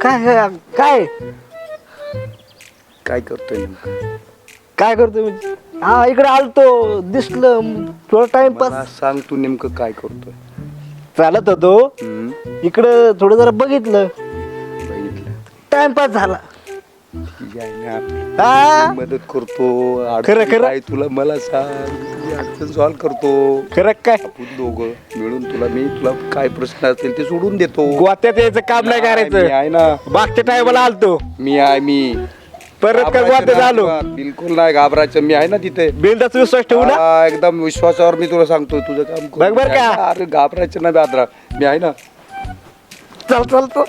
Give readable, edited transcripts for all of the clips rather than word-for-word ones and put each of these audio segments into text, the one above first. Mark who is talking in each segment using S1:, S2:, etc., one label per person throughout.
S1: काय काय
S2: काय करतोय नेमकं?
S1: काय करतो म्हणजे हा इकडे आलतो दिसलं थोडा टाइमपास
S2: मला सांग तू नेमकं काय करतोय?
S1: चालत होतो इकडं थोडं जरा बघितलं
S2: बघितलं
S1: टाइमपास झाला
S2: ठीक आहे ना.
S1: हा
S2: मी मदत करतो.
S1: खरं,
S2: अडचण
S1: खरं.
S2: काय तुला मला सांग, मी अडचण सॉल्व करतो.
S1: खरं काय
S2: आपण दोघं मिळून तुला काय प्रश्न असतील ते सोडून देतो.
S1: गोत्यात यायचं काम नाही
S2: मी
S1: करायचं
S2: आहे ना.
S1: मागच्या टायमाला आलतो
S2: मी
S1: परत काय
S2: घाबरायचं
S1: गोत्यात
S2: नाही
S1: आलो
S2: अजिबात. बिलकुल नाही घाबरायचं. मी आहे ना तिथे.
S1: बिंदाचा विश्वास ठेवू ना
S2: हा, एकदम विश्वासावर मी तुला सांगतो तुझं काम करू.
S1: बघ बरं का?
S2: अरे घाबरायचं नाही बादरा, मी आहे ना.
S1: चल चालतो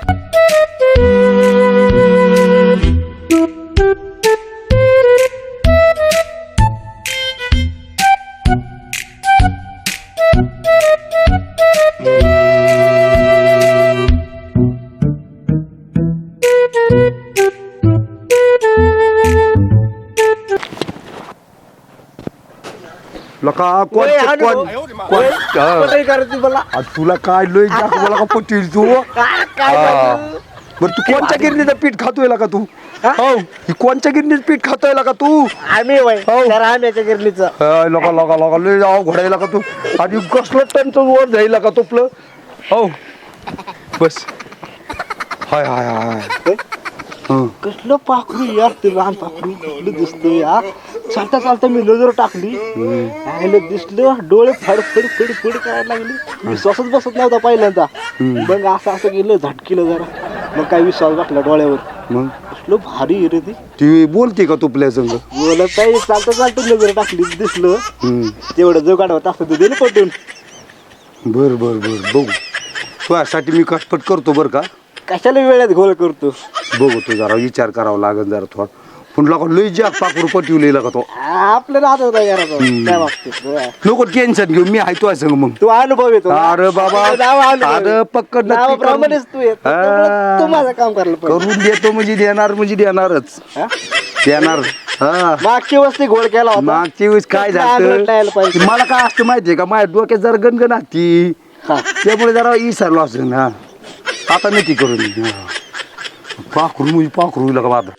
S2: लका
S1: ओय, हाणू. ओय, पटाई करायची मला
S2: तुला काय लय जास्त मला का पटेल तू
S1: काय
S2: हा.
S1: पाहिजे?
S2: बरं तू कोणत्या गिरणीचं पीठ खातोय का तू?
S1: हा?
S2: हो ही कोणत्या गिरणीचं पीठ खातोय का तू?
S1: आम्ही वय
S2: हो.
S1: तर आम्याच्या गिरणीचं
S2: लगा लगा लगा लय जाव घोडायला का तू आणि कसलं टनचं वर जाईल का तुपलं हो बस हाय हाय हाय हं.
S1: कसलं पाखरू यार ते लहान पाखरू कसलं दिसतंय यार चालता चालता मी नजर टाकली आयला दिसलं डोळे फड फड फड फड करायला लागली विश्वासच बसत नव्हता पहिल्यांदा मग असं गेलं झटकीलं जरा मग काय विश्वास बसला डोळ्यावर
S2: मग
S1: कसलं भारी आहे रे ते
S2: ती बोलते का तुपल्या संग
S1: बोलत काही चालता चालता नजर टाकली दिसलं
S2: हं.
S1: तेवढं जो काढवत असतं ते दिलं पटून
S2: बर बर बर बघू तुझ्यासाठी मी कटपट करतो बरं का
S1: कशाला वेळात घोळ करतो
S2: बघू तू जरा विचार करावा लागेल जरा थोडा पण लका लय जाग पाकरू पटवलेला का तो
S1: आपल्याला आता काय करायचं काय वाटतं
S2: नको टेन्शन घेऊ मी आहे तुझ्या संग मग
S1: तू अनुभव येतो ना?
S2: अरे बाबा
S1: नाव अनुभव आहे.
S2: अरे पक्कड नक्की
S1: नावाप्रमाणेच तू येतो
S2: हा.
S1: त्यामुळे तू माझं काम करायला पाहिजे
S2: करून देतो म्हणजे देणार म्हणजे देणारच
S1: हा?
S2: देणार हा
S1: मागची वस्ती घोळ केला होता
S2: मागची वेळेस काय
S1: त्यातलं आंगलट
S2: झालं
S1: यायला पाहिजे.
S2: मला काय असतं माहितीये का माझ्या डोक्यात जरा गणगण आती
S1: हा.
S2: त्यामुळे जरा विसरलो असं ना आता नक्की करून पाखरू म्हणजे पाखरू का माझं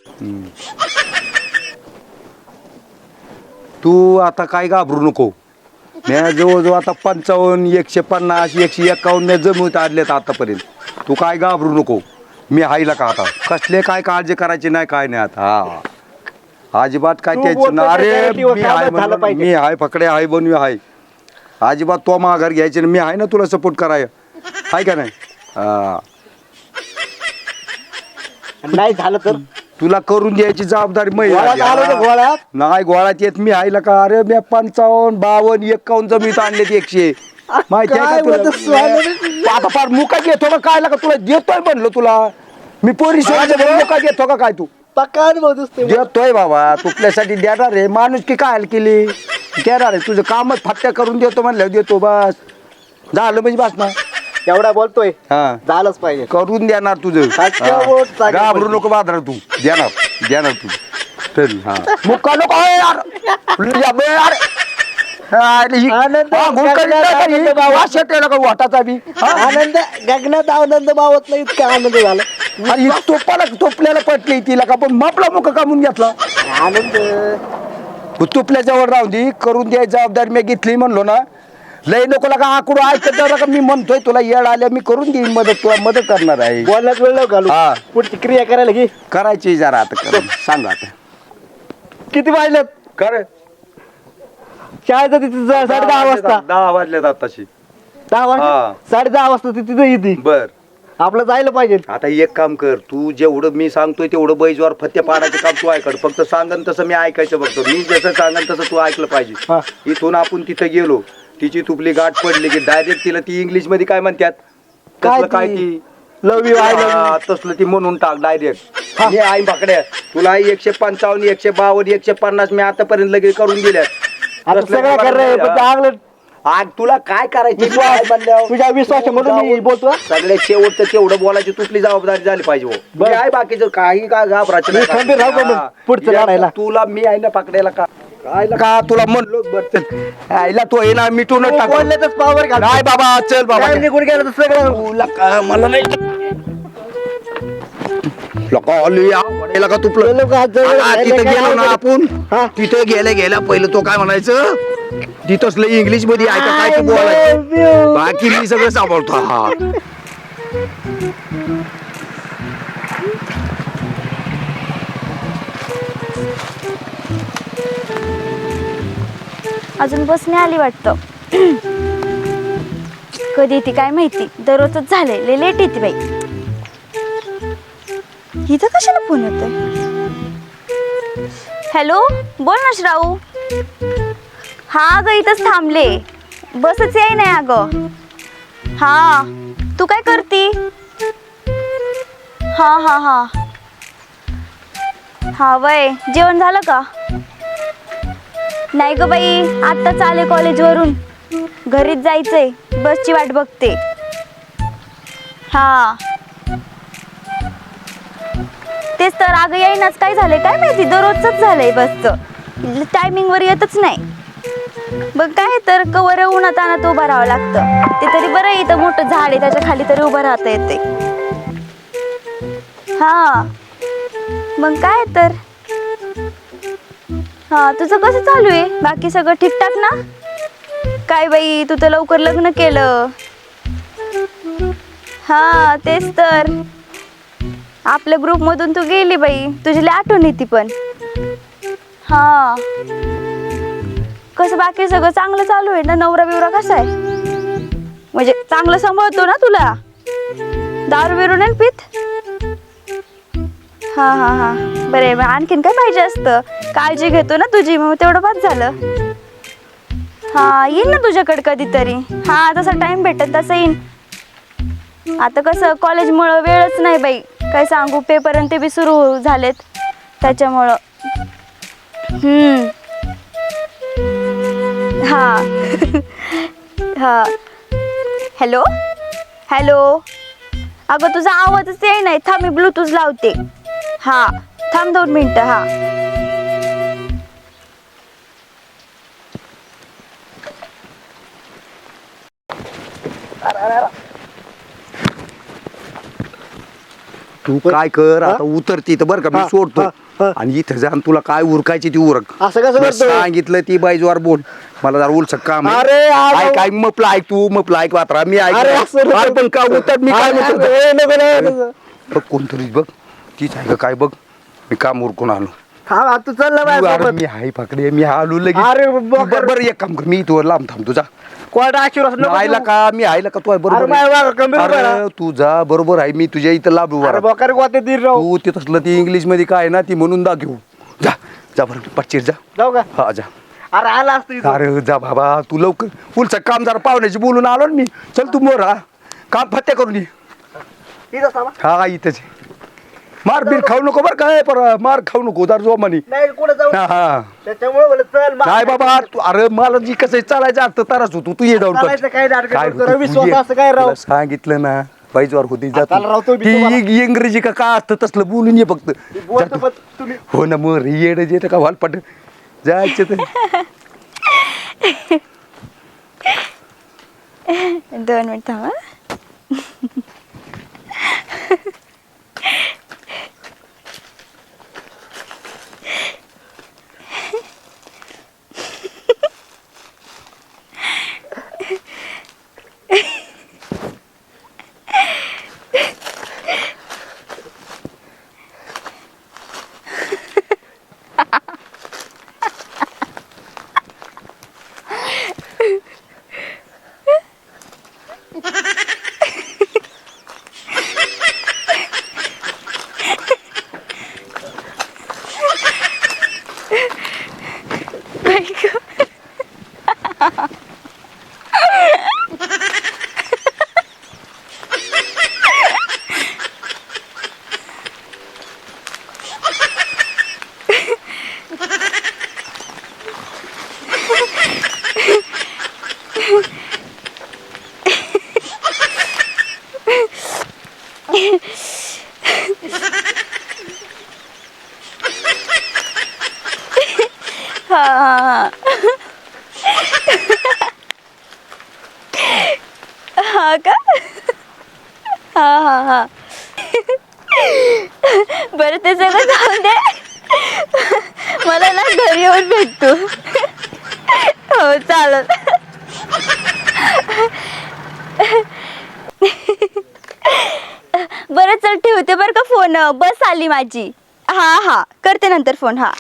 S2: तू आता काय घाबरू नको मी जवळजवळ आता 55 150 151 जमवत आणलेत आतापर्यंत तू काय घाबरू नको मी हायला का आता कसले काय काळजी करायची नाही काय नाही आता हा अजिबात काय
S1: तू
S2: त्याचं
S1: बोलतो
S2: ना अरे
S1: त्याच्यासाठी व
S2: मी
S1: कामच
S2: हाय
S1: झालं
S2: म्हणलं,
S1: पाहिजे.
S2: मी हाय फकडे हाय बनवी हाय अजिबात तो माघार घ्यायचे ना मी आहे ना तुला सपोर्ट कराय हाय का नाही हा
S1: नाही झालं तर
S2: तुला करून द्यायची जबाबदारी
S1: घोळ्यात आलो तर
S2: मी
S1: घोळ्यात
S2: नाही गोळ्यात येत मी हायला का अरे मी 55 52 51 जमीत आणले 100 माहिती आहे
S1: काय
S2: का
S1: बोलतो
S2: तुला
S1: स्वामी?
S2: आता फार मुका घेतो का काय का तुला देतोय म्हणलो तुला मी पोरी मुका घेतो का काय तू
S1: पक्का अनुभव दिसतोय मला.
S2: देतोय बाबा तुपल्यासाठी देणार आहे माणूस की काय हाल केली देणार आहे तुझं कामच फाट्या करून देतो म्हणल्यावर देतो बस झालं म्हणजे बस ना
S1: एवढा बोलतोय
S2: हा
S1: झालंच पाहिजे
S2: करून देणार तुझं
S1: सातशे
S2: हा.
S1: वोट जागे
S2: घाबरू
S1: पडली.
S2: नको बाजार तू देणार तू चल हा मुक्का नको आहे यार या बे यार अरे ही-
S1: आनंद-
S2: हा, गुलकंद नाही का ही?
S1: आनंद बाबा.
S2: वास येतोय ना का वाटाचा बी हा?
S1: आनंद गगनात आनंद बावत नाही इतका आनंद झाला
S2: आणि ही तोपल्याला पटली तिला का पण मापला मुका कामून घेतला
S1: आनंद
S2: तुपल्याच्यावर राहून दे करून द्यायची जबाबदारी मी घेतली म्हणलो ना लय नको लागा आकडू ऐकत जा का मी म्हणतोय तुला येड आल्या मी करून देईन मदत तुला मदत करणार आहे
S1: बोलण्यात वेळ नको घालू
S2: हा.
S1: पुढची क्रिया करायला घे
S2: करायची जरा आता कर सांग आता
S1: किती वाजलेत
S2: कर
S1: शाळेचं तिथे 10:30 वाजता
S2: 10 वाजल्यात आताशी
S1: 10 वाजता
S2: हा.
S1: 10:30 वाजता ती तिथे येते
S2: बर
S1: आपलं जायला पाहिजे
S2: आता एक काम कर तू जेवढं मी सांगतोय तेवढं बैजवार फत्ते पाडायचं काम तू ऐकड फक्त सांगन तसं मी ऐकायचं बघतो मी जसं सांगन तसं तू ऐकलं
S1: हा.
S2: पाहिजे इथून आपण तिथं गेलो तिची तुपली गाठ पडली की डायरेक्ट तिला ती इंग्लिश मध्ये काय म्हणतात
S1: काय
S2: तसलं काय
S1: ती?
S2: ती
S1: लव यू आय लव
S2: हा, तसलं ती म्हणून टाक डायरेक्ट मी आई बाकड्या तुला 155 152 150 मी आतापर्यंत लगेच करून दिल्यात
S1: आता
S2: तसलं
S1: सगळं
S2: काय
S1: कर रे
S2: म्हणलं?
S1: पण चांगलं
S2: आग तुला काय करायची
S1: तुझ्या विश्वास म्हणून मी बोलतो
S2: सगळ्यात शेवटचं तेवढं बोलायची तुपली जबाबदारी झाली पाहिजे हो.
S1: बर.
S2: मी आहे बाकीचं काही काय घाबरायचं
S1: मी
S2: नाही.
S1: खंबीर राहू का मग
S2: हा.
S1: पुढचं
S2: या,
S1: लढायला?
S2: तुला मी आहे ना पकडायला का आईला का तुला म्हणलो बरं आईला तो आहे ना मिटून टाक
S1: बोलण्यातच पावर घाल
S2: नाही बाबा चल बाबा
S1: निघून गेलं तर सगळं
S2: तुला का मला नाही लोका ऑलरेडी का तुपलं
S1: चलो का, चलो,
S2: तिथं
S1: काय
S2: गेलो ना आपण
S1: हा.
S2: तिथं गेल्या पहिलं तो काय म्हणायचं तिथंच लय इंग्लिश मध्ये ऐका काय तू
S1: I
S2: बोलायचं
S1: love you.
S2: बाकी मी सगळं सांभाळतो हा
S3: अजून बस नाही आली वाटतं. कधी ती काय माहिती, दररोजच झालंय, लय लेट येते बाई. इथं कशाला फोन येतोय? हॅलो, बोल ना श्राऊ. हा अगं इथंच थांबले, बसच याय नाही अगं. हा तू काय करती? हा हा हा हा वय जेवण झालं का? नाही ग बाई, आत्ताच आले कॉलेजवरून, घरीच जायचंय, बसची वाट बघते. हा तेच तर, अगं येईनाच, काय झालंय काय माहिती, दररोजच झालंय, बसचं टायमिंगवर येतच नाही. बघ काय तर, कवर उन्हात आणत उभं राहावं लागतं. ते तरी बरं आहे, इथं मोठं झाड आहे, त्याच्या खाली तरी उभं राहता येते. हा मग काय तर. हा तुझं कसं चालू आहे, बाकी सगळं ठीकठाक ना? काय बाई, तू तर लवकर लग्न केलं. हा तेच तर, आपल्या ग्रुपमधून तू गेली बाई, तुझी लय आठवण येते पण. हा कसं बाकी सगळं चांगलं चालू आहे ना? नवरा बिवरा कसा आहे, म्हणजे चांगलं सांभाळतो ना तुला? दारू बिरू नाही पित? हा हा हा बरे, आणखीन काय पाहिजे असतं, काळजी घेतो ना तुझी, मग तेवढं बाद झालं. हा येईन ना तुझ्याकडे कधीतरी. हा जसा टाइम भेटत तसं येईन. आता कसं कॉलेजमुळं वेळच नाही बाई, काय सांगू, पेपर आणि ते बी सुरू झालेत त्याच्यामुळं. हा हा हॅलो हॅलो, अगं तुझा आवाजच येई नाही, थांब मी ब्लूटूथ लावते. हा थांब 2 मिनिटं. हा
S2: तू काय कर आता, उतरती तर बरं का, मी
S1: हा,
S2: सोडतो
S1: हा, हा.
S2: आणि इथं जाऊन तुला काय उरकायची ती उरक.
S1: असं कसं
S2: मी
S1: करतोय?
S2: सांगितलं ती बाईजवार बोल, मला जरा उलसक काम आहे.
S1: अरे, आज-
S2: ऐक ऐक, मपलं ऐक, तू मपलं ऐक, वात्रा मी ऐक.
S1: अरे, असं नको.
S2: अरे, पण का उतर, मी काय
S1: अरे,
S2: म्हणतो
S1: अरे, नको, नको, नको.
S2: बघ कोणतरी बघ, तीच आहे का काय बघ, मी काम उरकून आलो.
S1: हा तू चल ना
S2: अरे
S1: माझ्यासोबत.
S2: मी हाय पकडे, मी आलो लगेच.
S1: अरे,
S2: तू
S1: बकर.
S2: बरं एक काम कर, मी इथवर लांब थांब तुझा.
S1: कोर्ट आशीर्वाद नको
S2: आयला
S1: देऊ.
S2: का, मी आयला का, तू आहे
S1: अरे
S2: बरोबर
S1: माझ्या
S2: आहे.
S1: मागं गंभीर उभा राहा.
S2: अरे तू जा, बरोबर आहे, मी तुझ्या इथं लाभ उभा
S1: अरे
S2: राहतो.
S1: बकर गोते दीर राहू.
S2: तू ते तसलं ती इंग्लिश मध्ये काय आहे ना, ती म्हणून दाखवू. जा जा बरं, पच्चीर जा.
S1: जाऊ का?
S2: हा जा.
S1: अरे आला असतो इथं.
S2: अरे जा बाबा, तू लवकर, पुढचं काम जरा पाहुण्याची बोलून आलो ना मी. चल तू मोर, हा काम फत्या करून ये.
S1: इथं थांबा.
S2: हा इथंच आहे. मार बीर खाऊ नको बरं काय, पर मार खाऊ नको दार जो म्हणे.
S1: नाही कुठे जाऊ,
S2: हा हा
S1: त्याच्यामुळे म्हणलं चल मा-
S2: काय बाबा तू, अरे मला जी कसं चालायचं असतं तरच होतो, तू ये जाऊन
S1: चालायचं काय नाटकं
S2: काय
S1: करतो
S2: होतं,
S1: रे,
S2: तू
S1: विश्वास
S2: ये.
S1: असं काय राव?
S2: तुला सांगितलं ना, बाईजवार होती
S1: आता रावतो मी
S2: ती
S1: तुम्हाला.
S2: इंग्रजी का काय असतं तसलं बोलून ये फक्त.
S1: बोलतो
S2: जा तू.
S1: पण तुम्ही
S2: हो ना, मग येड येतं का वालपट जायचं तर.
S3: 2 मिनिट थांब. हा हा का? हा हा हा बरं ते सगळं जाऊन दे. मला ना घरी येऊन भेटतो. हो चालत. बरं चल ठेवते बरं का फोन, बस आली माझी. हा करते नंतर फोन. हा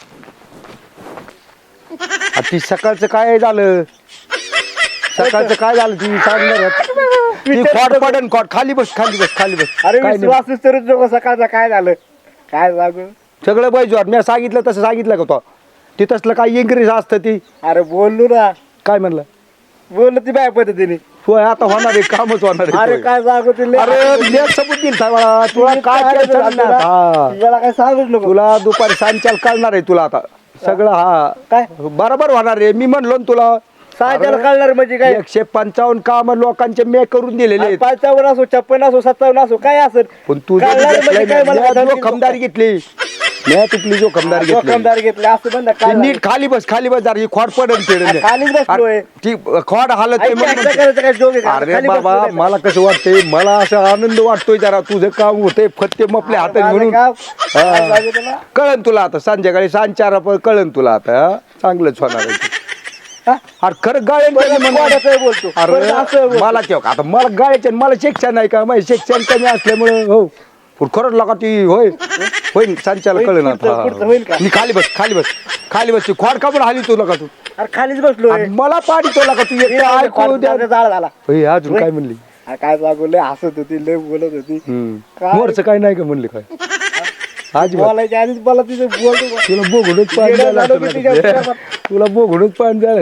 S2: ती सकाळचं काय झालं? सकाळचं काय झालं ती सांगणार ती खोट पडन खोट. खाली बस खाली बस खाली बस.
S1: अरे
S2: काय नाही.
S1: विश्वास विसरूच नको. सकाळचं काय झालं काय सांगू.
S2: सगळं पाहिजे मी सांगितलं तसं सांगितलं का तो? ती तसलं काय इंग्रज असतं ती.
S1: अरे बोललो ना.
S2: काय म्हणलं?
S1: बोललो ती बाय पद्धतीने.
S2: होय आता होणार आहे कामच होणार आहे.
S1: अरे काय सांगू तिला.
S2: अरे मी सबूत दिल मला तुला काय टेन्शन नाही आता. हा.
S1: तुला काय सांगूच नको.
S2: तुला दुपारी सांच्याल कळणार आहे तुला आता सगळं. हा
S1: काय
S2: बरोबर होणार आहे. मी म्हणलो ना तुला
S1: सांगायला कळणार म्हणजे काय.
S2: 155 काम लोकांचे मे करून दिलेले आहेत.
S1: 55 असो 56 असो 57 असो काय असेल.
S2: पण तू
S1: कळणार म्हणजे काय मला काय
S2: जोखमदारी घेतली. मी तुपली जोखमदारी घेतली.
S1: जोखमदारी घेतली असं म्हणलं
S2: ते
S1: काय
S2: नीट खाली बस बस ही खोड पडन
S1: अरे खालीच बसलोय.
S2: ती खोड हालत नाही म्हणून.
S1: करायचं काय जोग आहे का?
S2: अरे
S1: खाली
S2: बाबा
S1: बसलोय.
S2: मला कसं वाटतंय मला असं आनंद वाटतोय जरा तुझं काम होतंय फत्ते मपले हातात
S1: माझं
S2: म्हणून.
S1: काम. काय
S2: हा.
S1: सांगू तुला?
S2: कळन तुला आता संध्याकाळी 4:30 कळन तुला आता. हा? चांगलंच होणार आहे.
S1: हा?
S2: अरे खरं गाळ्यान
S1: परत वाड्याचं बोलतो. परत असं
S2: अरे
S1: बोलतो.
S2: मला तेव्हा आता मला गाळ्याचे मला शिक्षण नाही का माझे शिक्षण कमी असल्यामुळे हो पण खरंच लागा ती होय होईल संचाला
S1: होईल,
S2: कळलं
S1: पुढचं होईल का?
S2: मी खाली बस ती खोड कापून हाली तुला का तू
S1: अरे खालीच बसलोय.
S2: आणि मला पाणी तोला का तू एकटा ऐकू द्या.
S1: जाळ झाला.
S2: होय, अजून काय म्हणली?
S1: अरे काय सांगू लय हसत होती लय बोलत होती. काय?
S2: मोरचं काय नाही का म्हणले काय आज
S1: बोलायच्या आधीच मला तिथे बोलतो.
S2: तुला बोघडूच पाणी
S1: येडं
S2: द्यायला
S1: झालं मी तिच्या
S2: तुला.
S1: विचारात.
S2: तुला बोघडूच पाणी द्यायला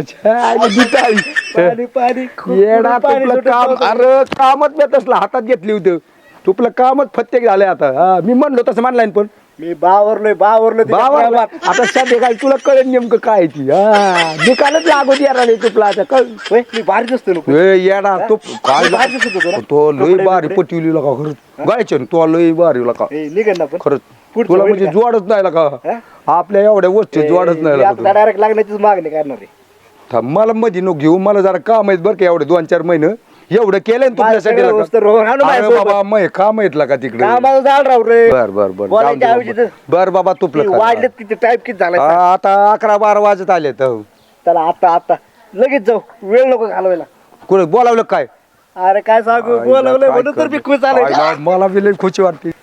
S1: पाणी पाणी खूप
S2: येडा
S1: पाणी
S2: तुपलं
S1: सुटत
S2: काम.
S1: होतं.
S2: अरे कामच मी तसलं हातात घेतली होती तुपलं कामच फत्तेक झालंय आता. हा, मी म्हणलो तसं मानलाय पण
S1: मी बावरलोय तिच्या
S2: बाबा
S1: प्रेमात.
S2: आता संध्याकाळी तुला कळेल नेमकं काय ती. हा निकालच लागू द्या रे तुपला आता कळ.
S1: होय, मी भारी दिसतो नको.
S2: ए, येडा तो काय
S1: भारी दिसत होतो ना.
S2: तो लय
S1: कपडे
S2: भारी
S1: बिपडे.
S2: पटवली का खरंच गायचे तो लय भारी का
S1: ए, निघेल ना पण.
S2: खरंच
S1: पुढचं
S2: तुला
S1: होईल
S2: म्हणजे
S1: का?
S2: जोडच नाही का
S1: हा?
S2: आपल्या एवढ्या वस्तू जोडच नाही
S1: आता
S2: का
S1: डायरेक्ट लागण्याचीच मागणी करणार आहे.
S2: थांब, मला मध्ये नको घेऊ मला जरा काम आहेत बरं का एवढे 2-4 महिने एवढं केलंय ना तुझ्यासाठी
S1: माझ्याकडे
S2: लका.
S1: वस्तू रोहन आणू
S2: अरे
S1: माझ्यासोबत.
S2: बाबा मग काम आहेत का तिकडे
S1: कामाला जाळ राहू रे.
S2: बर बर बर
S1: बोलायच्या
S2: जाऊ दे
S1: ऐवजी
S2: बाबा. बर बाबा
S1: ती
S2: तुपलं
S1: वाढलेत किती टाईप किती झालाय.
S2: आता 11-12 वाजत आले तर
S1: चला आता लगेच जाऊ. वेळ नको घालवायला.
S2: कुठे बोलावलं काय
S1: अरे काय सांगू बोलवलंय म्हणून तर मी खुश
S2: आईला,
S1: झालोय.
S2: मला बी लई खुशी वाटते.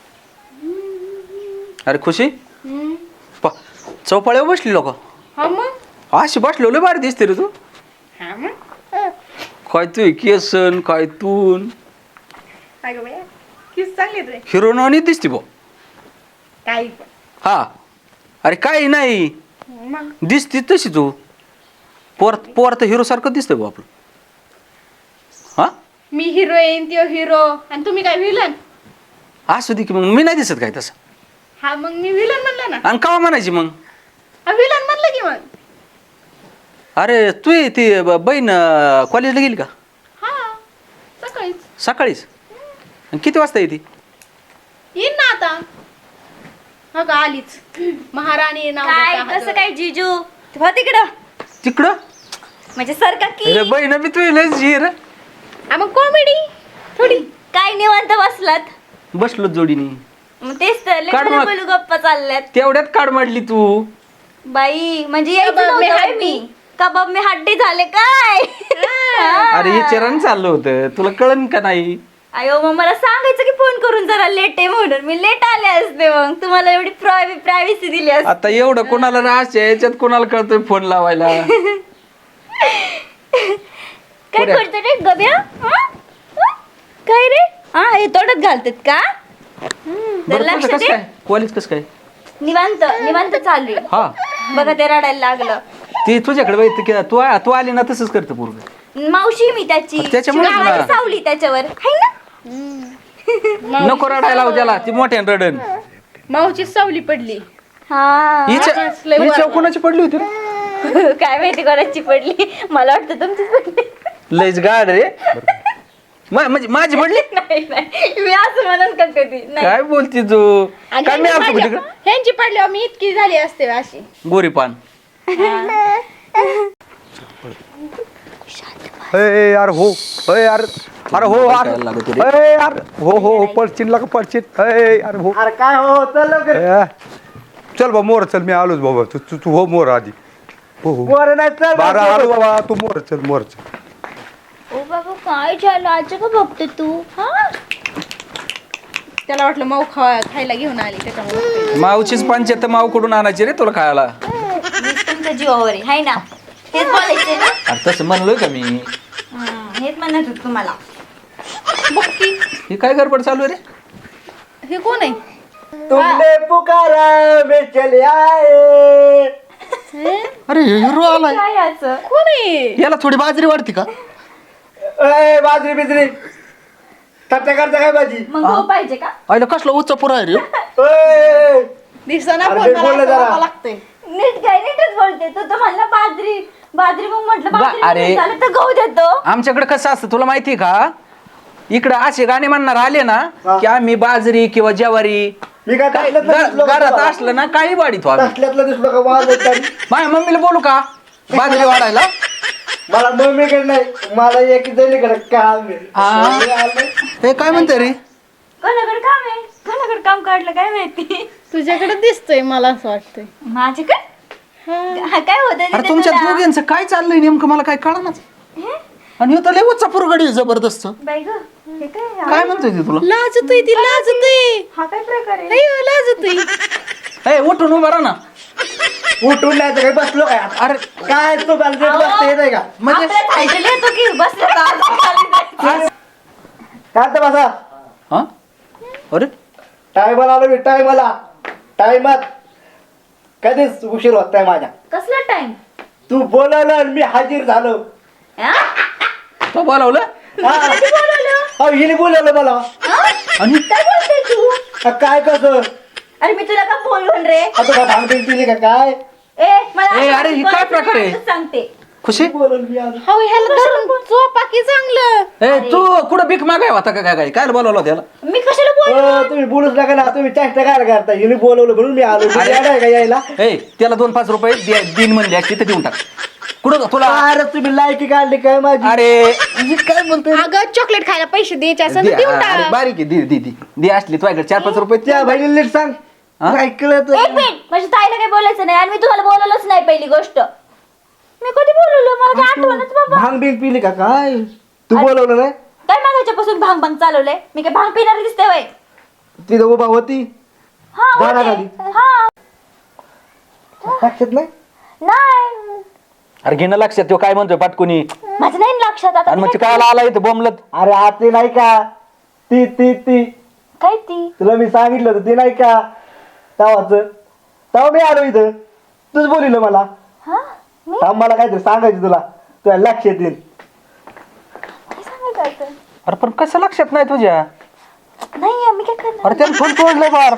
S4: अरे खुशी चौपाळ्यावर बसली लोक
S5: हा मग
S4: अशी बसलो लय भारी दिसते रे तू.
S5: हा मग
S4: काय तू केसन काय तून
S5: अगं बाया किस चांगली रे
S4: हिरोनवानी दिसते बो.
S5: काही
S4: हा अरे काही नाही
S5: मग
S4: दिसते तशी तू पोर तर हिरो सारखं दिसतंय बो आपलं. हा
S5: मी हिरोईन त्यो हिरो आणि तुम्ही काय विलन.
S4: असू दे की मग मी नाही दिसत काय तसं.
S5: हा मग मी विलन म्हणलं ना.
S4: आणि कावा म्हणायची मग.
S5: हा विलन म्हणलं की मग.
S4: अरे तू ती बहीण कॉलेजला गेली का
S5: हा सकाळीच
S4: सकाळीच आणि किती वाजता येते.
S5: येईन ना आता. हा का आलीच महाराणी नाव
S3: काय
S5: देता
S3: कसं
S5: हातात.
S3: काय जिजू हो तिकडं
S4: तिकडं
S3: म्हणजे सारखा की
S4: अरे बहीण बी तू लयच हिर
S5: हा मग कॉमेडी थोडी.
S3: काय निवांत बसलात.
S4: बसलो जोडीने
S3: मग तेच तर लय
S4: काढ मग.
S3: बोलू गप्पा चालल्यात.
S4: तेवढ्यात काढ मांडली तू.
S3: बाई म्हणजे यायचं
S5: कबाब में
S3: नव्हतं होय
S5: हड्डी.
S3: मी. कबाब मी हड्डी झाले काय.
S4: अरे हे चरण चाललं होतं तुला कळन का नाही.
S3: अयो मग मला सांगायचं की फोन करून जरा लेट आहे म्हणून मी लेट आले असते मग तुम्हाला एवढी प्रायव्हसी दिली असते.
S4: आता एवढं कोणाला रास आहे याच्यात कोणाला कळतोय फोन लावायला.
S3: काय
S4: पुऱ्या.
S3: करतो रे गब्या हं? हं? काय रे हा हे तोडत घालतात का तर
S4: बरं
S3: लक्ष
S4: तुझं कसं
S3: दे.
S4: काय कॉलेज कसं काय.
S3: निवांत चालू आहे.
S4: हा
S3: बघा ते रडायला लागलं.
S4: ते तुझ्याकडे बघितलं की तू आली ना तसंच करतं पूर्ण.
S3: मावशी मी त्याची
S4: त्याच्यामुळेच ना.
S3: गावाला सावली त्याच्यावर हाय ना.
S4: नको रडायला लावू त्याला ती मोठ्यानं रडन.
S5: माऊची सावली पडली.
S3: हा
S5: लय
S4: हिच्या
S5: बरं.
S4: कोणाची पडली होती रे?
S3: काय माहिती कोणाची पडली मला वाटतं तुमचीच पडली.
S4: लयच गाड रे. म्हणजे माझी पडली.
S3: नाही मी असं म्हणून का कधी नाही.
S4: काय बोलती तू
S5: आणि
S4: काय मी
S5: ह्यांची
S4: असतो
S5: पडल्यावर-
S4: तिकडे
S5: ह्यांची पडल्यावर मी इतकी झाली असते अशी.
S4: गोरी पान.
S2: अय यार हो अय यार अरे हो अरे अरे हो पडचिन का पडचिन अरे हो
S1: अरे काय हो चल लवकर.
S2: ए, चल बा मोर चल मी आलोच बाबा तू तू तू हो मोर आधी हो हो
S1: बरं नाही चल
S2: बारा आलो बाबा तू मोर चल
S3: ओ बाबा काय झालं आज का बघते तू हा
S5: त्याला वाटलं माऊ खायला घेऊन आली त्याच्यामुळे
S4: मावचीच पंचायत माव कुठून आणायची रे तुला खायला
S3: मीच तुमच्या जीवावर आहे हाय ना हेच बोलायचंय ना
S4: अरे तसं म्हणलोय का मी
S3: हेच म्हणत होत तुम्हाला
S4: ही काय गडबड चालू आहे रे
S5: हे कोण आहे
S1: तुमने पुकारा मैं चले आए.
S6: अरे हिरो आलाय
S3: काय याचं
S5: कोण आहे
S6: याला थोडी बाजरी वाढते का
S1: ए बाजरी बिजरी करता करता काय भाजी
S3: मग गहू पाहिजे का
S6: आईला कसला उच्च पुरा आहे रे
S1: ए,
S5: दिसना
S1: अरे
S5: पण
S1: ते बोललं जरा.
S5: लागतंय
S3: नीट काय नीटच बोलते तू तर म्हणला बाजरी बाजरी मग म्हटलं बाजरी
S4: अरे.
S3: नाही झालं तर गहू देतो
S4: आमच्याकडे कसं असतं तुला माहिती का इकडं असे गाणे म्हणणार आले ना की आम्ही बाजरी किंवा ज्वारी
S1: मी काय तसल्यातलं दिसलो का
S4: घरात
S1: तुला?
S4: असलं ना काही वाढीतो आम्ही
S1: तसल्यातलं दिसलो का वाज येत नाही.
S4: माझ्या मम्मीला बोलू का बाजरी वाढायला
S1: मला मम्मीकडे नाही मला एक जणीकडे काम आहे.
S4: हा.
S1: मी आलोय.
S6: हे काय म्हणते रे
S3: कोणाकडे काम आहे कोणाकडे काम काढलं काय माहिती
S5: तुझ्याकडे दिसतोय मला असं वाटतंय
S3: माझ्याकडे काय होतं
S6: अरे तुमच्या दोघांचं काय चाललंय नेमकं मला काय कळणार आणि ह्यो तर लय उच्च पुरगडी आहे जबरदस्त
S3: बाई ग हे काय
S6: काय म्हणतोय ती तुला
S5: लाजतोय ती लाजतोय
S3: हा काय प्रकार आहे
S5: अय्यो, लाजतोय
S4: ए उठून उभा राहा ना
S1: उठून नाही तर काही बसलो काय आता?
S4: अरे
S1: काय तू बसते येत आहे का
S4: म्हणजे
S3: आपल्या title येतो की बसलं का आज खाली जायचं.
S1: काय तर बसा
S4: हा अरे
S1: टायमाला आलो मी टायमात कधीच उशीर होत नाही माझ्या
S3: कसला टाइम
S1: तू बोलवलं आणि मी हाजीर झालो
S4: तो बोलावलं
S1: हा. अहो, हिने बोलवलं मला
S4: आणि
S3: काय बोलते तू
S1: काय कसं
S3: अरे मी तुला का बोलवून रे
S1: आता काय भांगपिंग पिली का काय
S3: ए मला
S4: ए,
S3: असं
S4: अरे, ही
S3: बोलायचं
S4: काय प्रकार आहे?
S3: नाही, असं सांगते
S4: खुशी
S1: बोलवलं मी आलो
S5: हो ह्याला धरून झोपा की चांगलं
S4: ए तू कुठं भीक मागाय होता का काय काय बोलावलं त्याला
S3: मी कशाला बोल
S1: तुम्ही बोलूच नका ना तुम्ही चेष्टा काय करता हिने बोलवलं म्हणून मी आलो
S4: अरे.
S1: आहे का यायला
S4: ए त्याला 2-5 रुपये दिन म्हणले असते तर देऊन टाक कुठं तुला
S1: अरे तुम्ही लायकी काढली काय माझी
S4: अरे
S1: काय म्हणतोय
S5: अगं चॉकलेट खायला पैसे द्यायचे असं
S4: दे,
S5: देऊन
S4: अरे,
S5: टाक
S4: बारीक आहे दे असली तुझ्याकडे 4-5 रुपये
S1: त्या बहिणीला नीट सांग
S4: हा?
S1: काय कळत
S3: एक मिनिट म्हणजे ताईला काही बोलायचं नाही आणि मी तुम्हाला बोलवलंच नाही पहिली गोष्ट मी कधी बोलवलं मला काय आठवणच बाबा
S1: भांग बिंग पिली का काय तू बोलवलं नाही
S3: काय मागायच्यापासून भांग भांग चालवलंय मी काय भांग पिणारी दिसते वय
S1: तिथं उभा होती
S3: हा
S1: झाडाखाली.
S3: होते. हा
S1: लक्षात नाही
S3: नाही
S4: अरे घेणं लक्षात तो काय म्हणतोय पाटकुनी
S3: माझं नाही लक्षात आता
S4: आणि मग
S3: मी
S4: ते
S3: काय
S4: काय आला इथं बोंबलत
S1: अरे आतली नाही का ती
S3: काय ती
S1: तुला मी सांगितलं होतं ती नाही का तेव्हा मी आलो इथं तूच बोलिलं मला
S3: हा मी
S1: थांब मला काहीतरी सांगायचं तुला लक्षात येईल
S3: काय सांगायचं आता?
S4: अरे पण कसं लक्षात नाही तुझ्या
S3: नाही मी काय करणार
S4: अरे त्यानं फोन तोडलं बार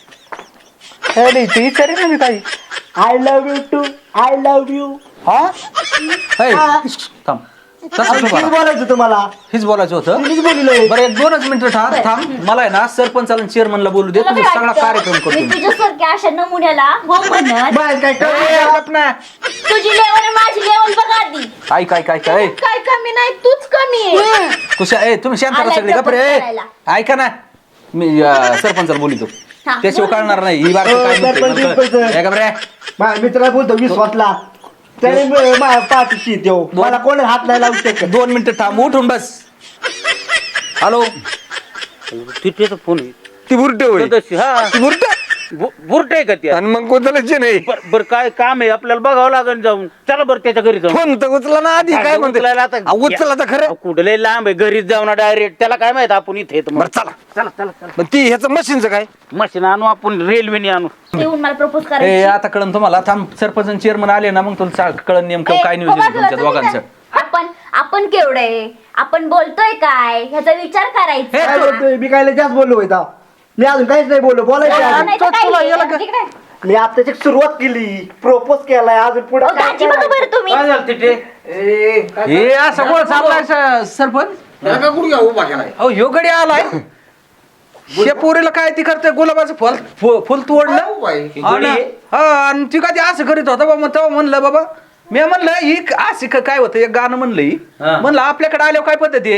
S4: विचारेल ना मी काही
S1: I love you too I love you
S4: हा ए, थांब तसं नको करा.
S1: बोलायचं तुम्हाला
S4: हेच बोलायचं होतं
S1: तिनेच बोलिलं
S4: बरं 1-2 मिनिटं थांब मला आहे ना सरपंचाला चेअरमनला बोलू दे
S3: तुला
S4: तुझा
S3: काय
S4: सगळा
S3: वाटतं?
S4: कार्यक्रम करतो
S3: मी
S4: मी.
S3: तुझ्यासारख्या अशा नमुन्याला हो म्हणत
S1: बाहेर काय
S4: ए,
S1: कळलं?
S4: गप ना.
S3: तुझी लेवल आणि माझी लेवल बघा आधी
S4: काय
S5: काय कमी नाही तूच कमी आहे
S4: कुशा ए तुम्ही शांत
S3: आलाय
S4: सगळे गप रे
S3: चपत करायला.
S4: ऐका ना मी सरपंचाला बोलितो
S3: हा,
S4: त्याशिवाय
S3: बोल.
S4: कळणार नाही ही बार
S1: हो,
S4: काय म्हणते
S1: सरपंच,
S4: मला कळ-
S1: सरपंच.
S4: ए, गप रे
S1: माझ्या मित्राला बोलतो विश्वासला त्याने माझ्या पाठीशी देऊ मला कोणी हात नाही लावू शकत
S4: 2 मिनिटं थांब उठून बस हॅलो
S7: तिथे फोन आहे.
S2: ती बुरटे होय
S7: सदस्य हा
S2: ती बुरटे
S7: बुरट आहे का त्या
S2: आणि मग कोणतं नाही
S7: बर काय काम आहे आपल्याला बघावं लागेल जाऊन चला बरं त्याच्या घरी जाऊन
S2: फोन तर उचला ना आधी काय म्हणते
S7: उचलायला आता-
S2: उचला तर खरं
S7: कुठले लांब आहे घरीच जाऊ ना डायरेक्ट त्याला काय माहित आपण इथे येतो
S2: बरं चला
S7: चला चला चला
S2: मग ती ह्याचं मशीनचं काय
S7: मशीन आणू आपण रेल्वेने आणू
S3: येऊन मला प्रपोज
S4: ए
S3: करायची
S4: आता कळन तुम्हाला थांब सरपंच चेअरमन आले ना मग तुला कळन नेमकं
S3: ए,
S4: काय नियोजन
S3: हो
S4: आहे
S3: बाजूला
S4: तुमच्या
S3: तुम्ही
S4: दोघांचं
S3: काय? आपण केवढे आपण बोलतोय काय ह्याचा विचार करायचा
S1: काय बोलतोय मी काय जास्त बोललो होता मी अजून काहीच नाही बोललो बोलायचं
S3: हा,
S1: अजून.
S3: नाही तर
S4: तुला
S3: काय?
S4: याला का-
S3: तिकडे.
S1: मी आताची सुरुवात केली प्रपोज केलाय अजून पुढे
S3: अहो, दाजी बघा बरं तुम्ही
S7: काय झालं तिथे
S4: हे असं कोण चाललाय सरपंच अहो ह्यो गडी आलाय हे पोरीला काय ती करते गुलाबाचं फुल तोडलं आणि ती कधी असं करीत होता बाबा तेव्हा म्हणलं बाबा मी म्हणलं ही असं काय होतं एक गाणं म्हणलं ही म्हणलं आपल्याकडे आल्यावर काय पद्धती आहे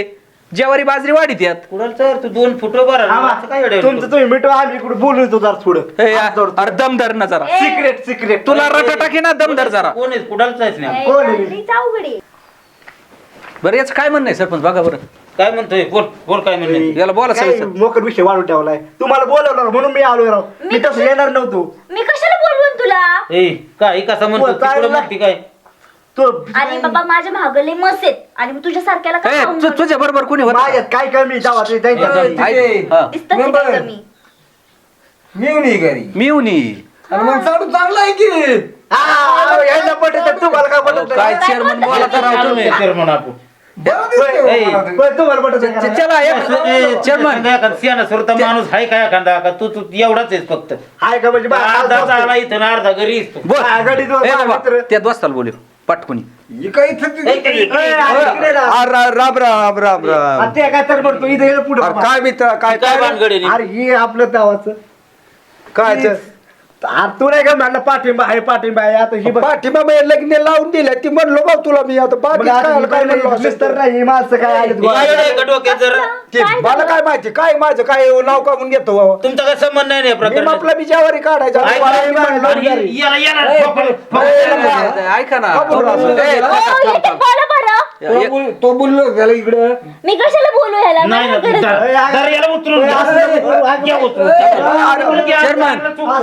S4: ज्वारी बाजरी वाढीत यात
S7: कुणाला तर तू 2 फुट बरं असं काय येडं
S1: तुमचं तुम्ही मिटवा आम्ही इकडे बोलू येतो जरा थोडं
S4: ए, अरे दम धर ना जरा
S1: सिक्रेट सिक्रेट
S4: तुला रटा टाकी ना दम धर जरा
S7: कोण आहे कुणालाच जायचं नाही
S1: कोण आहे?
S3: लईच अवघड आहे.
S4: बरं याचं काय म्हणणं आहे सरपंच बघा बरं
S7: काय म्हणतोय बोल बोल काय म्हणले
S4: याला बोला
S1: काय
S4: सर
S1: मोकर विषय वाढून ठेवलाय तुम्हाला बोलवलं म्हणून मी आलोय राव मी तसं येणार नव्हतो
S3: मी कशाला बोलवून तुला
S7: ए काय कसं म्हणतो
S1: बोल, काय
S7: तिकडं
S1: बोला?
S7: म्हणते काय
S1: तो
S3: आणि बाबा माझ्या महागले मस आहेत आणि मी तुझ्या सारख्याला काय खाऊन घालू?
S4: तुझ्या बरोबर कोणी होत
S1: माझ्यात काय कमी जावा ते त्यांच्या
S3: दिसतं ते काय कमी
S6: मी येऊन ये घरी
S4: मी येऊन ये.
S6: आणि मग चालू चांगलं आहे की
S1: यायला पटत तुम्हाला काय पटत
S4: काय चेअरमन बोला तर राव तुम्ही.
S7: चेअरमन आपण
S6: बरं दिसतंय
S7: ए,
S6: मला ते.
S1: तुम्हाला पटत नाही.
S4: चला एक चेअरमन
S7: सियाना सुरता माणूस आहे काय एखादा का तू तू एवढाच आहेस फक्त
S1: हाय का म्हणजे
S7: अर्धा झाला इथं ना अर्धा घरी असतो.
S4: बोल
S1: आघाडीत
S4: ए बाबा
S1: मित्र.
S4: त्यात बसताल बोलू पाटकुनी
S6: ही काय इथं ती-
S1: इकडे ना.
S2: राम राम राम राम
S1: आणि ते काय तर म्हणतो इथे ये पुढे
S2: अरे काय मित्र काय
S7: काय भानगड आहे रे?
S1: अरे हे आपलं गावाचं
S2: काय ते?
S1: अरे तू नाही का म्हणलं पाठिंबा आहे आता ही बघ.
S2: पाठिंबा मी लग्न लावून दिल्या ती म्हणलो बा तुला मी आता बाकी
S1: मग आता
S2: काय
S1: ही
S2: काय म्हणलो
S1: नाही, मिस्टर
S2: असं?
S1: नाही माणसं काय आलेत गोळा.
S7: काय रे, डोक्यात जरा
S2: ते मला काय माहिती काय माझं काय नाव काढून घेतो बाबा.
S7: तुमचा काय संबंध नाही ना या
S2: मी
S7: प्रकरणात?
S2: आपला बिचावारी काढायचा
S7: ऐका,
S2: मला मी म्हणलो
S7: आणि
S2: घरी.
S7: याला- याला ठोकलं.
S4: ऐका ना
S2: का बोलू असं?
S4: ए,
S3: ओ, येते बोला बरं
S6: तो बोललो त्याला इकडं
S3: मी कशाला बोलू ह्याला
S7: नाही ना,
S3: मला गरज-
S7: जरा याला उतरून घ्या. घ्या उतरून.
S4: चेअरमन.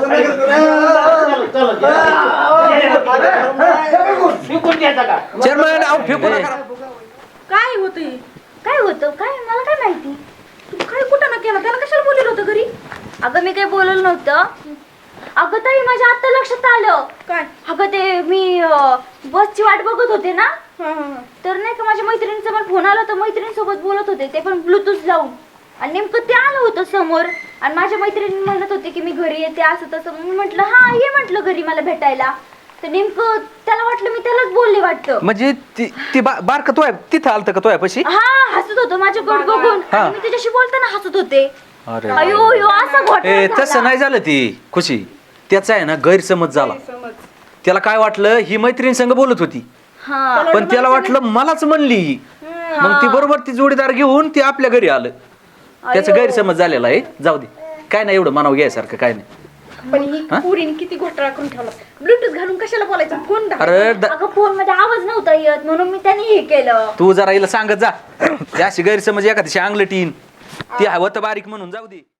S7: शिकून घ्यायचा का?
S4: चेअरमन अहो फेकू नका.
S5: काय होतंय
S3: काय होतं काय मला काय माहिती
S5: तू काय कुठं ना केला त्याला कशाला बोललेलं होतं घरी
S3: अगं मी काही बोललं नव्हतं अगं ताई माझ्या आता लक्षात आलं
S5: काय
S3: अगं ते मी बसची वाट बघत होते ना
S5: हा, हा, हा.
S3: तर नाही का माझ्या मैत्रिणीचा मला फोन आला होता मैत्रिणीसोबत बोलत होते ते पण ब्लूटूथ लावून आणि नेमकं ते आलं होतं समोर आणि माझ्या मैत्रिणी म्हणत होते की मी घरी येते असं तसं मी म्हटलं हा ये म्हटलं घरी मला भेटायला तर नेमकं त्याला वाटलं मी त्यालाच बोलले वाटतं
S4: म्हणजे ती बारक तो आहे तिथं आलत का तो आहे पशी
S3: हा हसत होतं माझ्याकडे बघून
S4: हा.
S3: आणि मी त्याच्याशी बोलताना हसत होते
S4: अरे
S3: अयो यो असा
S4: ए
S3: घोटाळा
S4: तसं
S3: झाला.
S4: नाही झालं ती खुशी त्याचा आहे ना गैरसमज झाला
S5: समज
S4: त्याला काय वाटलं ही मैत्रीण संग बोलत होती
S3: हा
S4: पण त्याला वाटलं मलाच म्हणली मग ती बरोबर ती जोडीदार घेऊन ती आपल्या घरी आलं त्याचा
S3: अयो.
S4: गैरसमज झालेला आहे जाऊ दे काय नाही एवढं मानावं घ्यायसारखं काय नाही
S5: पण ही पुरीने किती घोटाळा करून ठेवला ब्लूटूथ घालून कशाला बोलायचं फोन
S4: अरे
S3: अगं फोन मध्ये आवाज नव्हता येत म्हणून मी त्याने हे केलं
S4: तू जरा हिला सांगत जा ती अशी गैरसमज एखाद्याशी अंगलटीन ती हवं तर बारीक म्हणून जाऊ दे